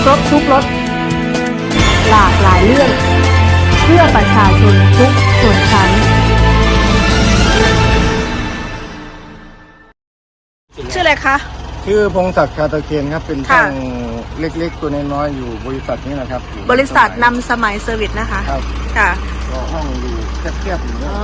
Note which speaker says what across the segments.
Speaker 1: ครบทุกรสหลากหลายเรื่องเพื่อประชาชนทุกชนชั้นชื่ออะไรคะ
Speaker 2: ชื่อพงศักดิ์ชาตะเคียนครับเป็นช่างเล็กๆตัวน้อยๆอยู่บริษัทนี้นะครับ
Speaker 1: บริษัทนำสมัยเซอร์วิสนะคะ
Speaker 2: ครับ
Speaker 1: ค่ะ
Speaker 2: ก็ห้องอยู่แคบๆอยู่เนี่ย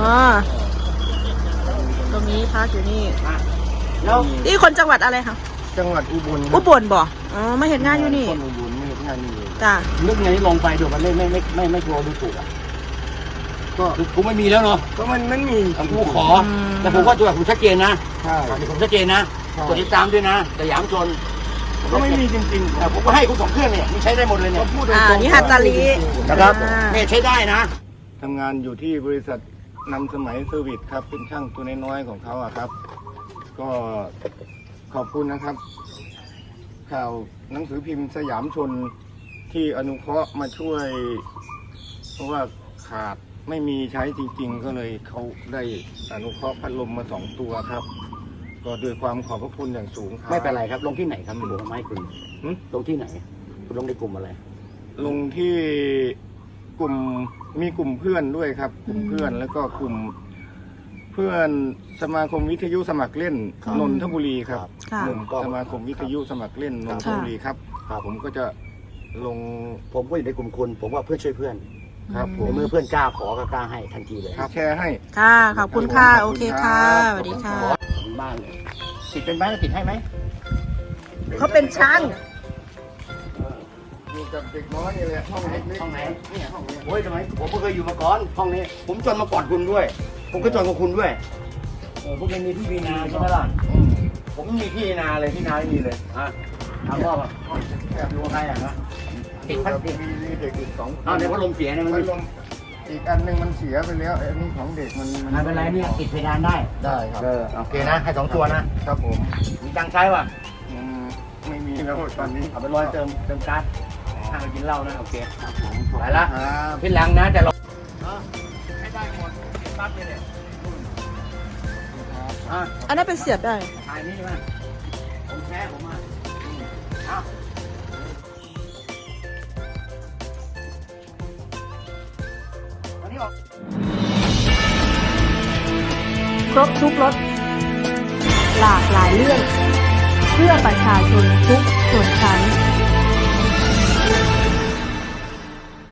Speaker 1: ตรงนี้พักอยู่นี่แล้วนี่คนจังหวัดอะไรคะ
Speaker 2: จังหวัดอุบล
Speaker 1: อุบลบ่ไม่เห็นงานอยู่นี่
Speaker 2: คนอุบลไม่เห็นงานอยู่
Speaker 1: จ้ะ
Speaker 3: นึกไงลงไปเดี๋ยวมันไม่กลัวดูถูกอ่ะก็กูไม่มีแล้วเนาะ
Speaker 2: ก็มันมี
Speaker 3: กูขอแต่ผมว่าตัวผมชัดเจนนะ
Speaker 2: ใช่
Speaker 3: ผมชัดเจนนะกดติดตามด้วยนะแต่ยามชน
Speaker 2: ก็ไม่มีจริงๆ
Speaker 3: แต่ผมก็ให้คุณ2 เครื่องเนี่ยมันใช้ได้หมดเลยเนี่ย
Speaker 2: พูดตรงๆ
Speaker 1: นี่ฮัตตาลี
Speaker 3: นะครับเนี่ยใช้ได้นะ
Speaker 2: ทำงานอยู่ที่บริษัทนำสมัยเซอร์วิสครับเป็นช่างตัวน้อยๆของเขาอะครับก็ขอบคุณนะครับข่าวหนังสือพิมพ์สยามชนที่อนุเคราะห์มาช่วยเพราะว่าขาดไม่มีใช้จริงๆก็เลยเขาได้อนุเคราะห์พัดลมมา2 ตัวครับก็ด้วยความขอบพระคุณอย่างสูงครับ
Speaker 3: ไม่เป็นไรครับลงที่ไหนครับคุณบอกไม่คุณลงที่ไหนคุณลงในกลุ่มอะไร
Speaker 2: ลงที่กลุ่มมีกลุ่มเพื่อนด้วยครับกลุ่มเพื่อนแล้วก็กลุ่มเพื่อนสมาคมวิทยุสมัครเล่นนนทบุรีครับสมาคมวิทยุสมัครเล่นนนทบุรีครับผมก็จะลง
Speaker 3: ผมก็อยู่ในกลุ่มคุณผมว่าเพื่อนช่วยเพื่อน
Speaker 2: ครับ
Speaker 3: ผมเมื่อเพื่อนกล้าขอก็กล้าให้ทันทีเลย
Speaker 2: แชร์ให้
Speaker 1: ค่ะขอบคุณค่ะโอเคค่ะสวัสดีค่ะ
Speaker 3: บ้านติดเป็นไหมติดให้ไหม
Speaker 1: เขาเป็นช่าง
Speaker 2: อยู่กับเด็กน้อยนี่แหละห้องเล็ก
Speaker 3: ห้องไหนเนี่ยห้องนี้โอ้ยทำไมผมก็เคยอยู่มาก่อนห้องนี้ผมจนมาก่อนคุณด้วยผมก็จนกับคุณด้วยพวกมีที่มีนาใช่ไหมล่ะผมมีที่นาเลยที่นาไม่มีเลยถามว่าแอบดูใครอ่ะนะ
Speaker 2: ติดพัดมีเด็กอีก2
Speaker 3: ในพัดลมเสียเนี่ยมัน
Speaker 2: อีกอันนึงมันเสียไปแล้วอันนี้ของเด็กมัน
Speaker 3: ไม่เป็นไรเนี่ยติดเพดานได้
Speaker 2: ครับ
Speaker 3: โอเคนะให้2 ตัวนะครับ
Speaker 2: ผม
Speaker 3: มีตังใช้ป่ะ
Speaker 2: ไม่มีแล้วตอนนี้
Speaker 3: เอาไปเติมก๊าซถ้าเรากินเหล้านะโอเคไปละพี่หลังนะแต่เราให้ได้หมดปั๊บเนี่ย
Speaker 1: อันนั้นเป็นเสียบได้
Speaker 3: ถ่ายนี่มาผมแพ้ผมมา
Speaker 1: ครบทุกรสหลากหลายเรื่องเพื่อประชาชนทุกส่วนชั้น